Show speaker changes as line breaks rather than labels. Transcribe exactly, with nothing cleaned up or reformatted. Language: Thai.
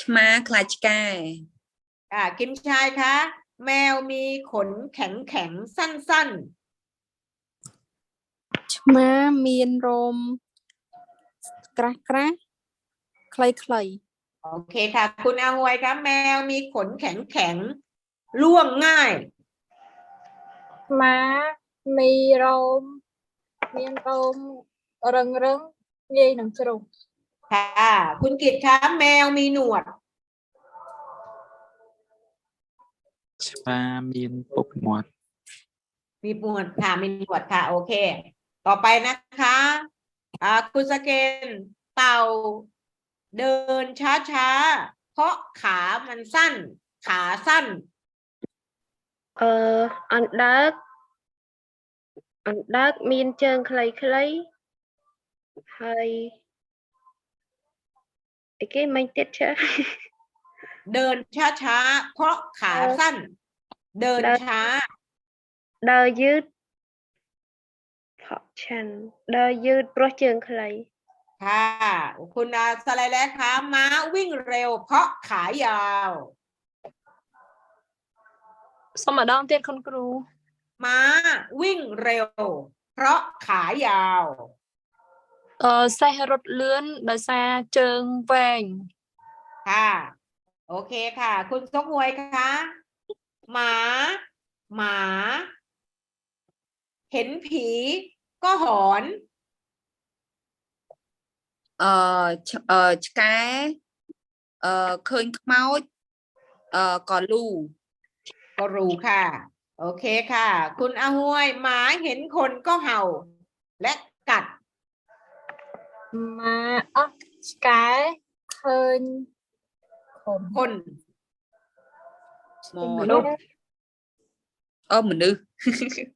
ม้าคลาชกา
อ่ากิมชายคะแมวมีขนแข็งแข็งสั้นๆ
ม้ามีนโรมกระกระใครใคร
โอเคค่ะคุณอาหวยครับแมวมีขนแข็งแข็งร่วงง่าย
ม้ามีโรมมีโรมรึงรึงងាយនឹងជ្រុះ
ค่ะคุณกิตครับแมวมีหนวด
ช้ามีนปุกหมวด
มีหนวดค่ะมีหนวดค่ะโอเค ต่อไปนะคะอ่าคุณสเกนเต่าเดินช้าช้าเพราะขามันสั้น ขาสั้น
អឺអណ្ដើកអណ្ដើកមានជើងខ្លីៗហើយអីគេមិញទៀតចា
เดินช้าช้าเพราะขาสั้น เดินช้า
ដើរយឺតផកឆាន់ដើរយឺតព្រោះជើងខ្លី
ค่ะคุณอาสไลด์แรกคะม้าวิ่งเร็ว เพราะขายาว
សូមម្ដងទៀតคุณครู
ม้าวิ่งเร็ว เพราะขายาว
អឺសេះរត់លឿនដោយសារជើងវែង
ค่ะ โอเคค่ะ คุณซกหวยคะหมา หมา เห็นผีก็หอน
เอ่อเอ่อឆ្កែเอ่อឃើញខ្មោចเอ่อក៏លូ
ก็รู้ค่ะ โอเคค่ะ คุณอาหวยหมาเห็นคนก็เห่า และกัด
ម៉ាអស់ឆ្កែឃើញខំ
คน
មកនោះអឺមនុស្ស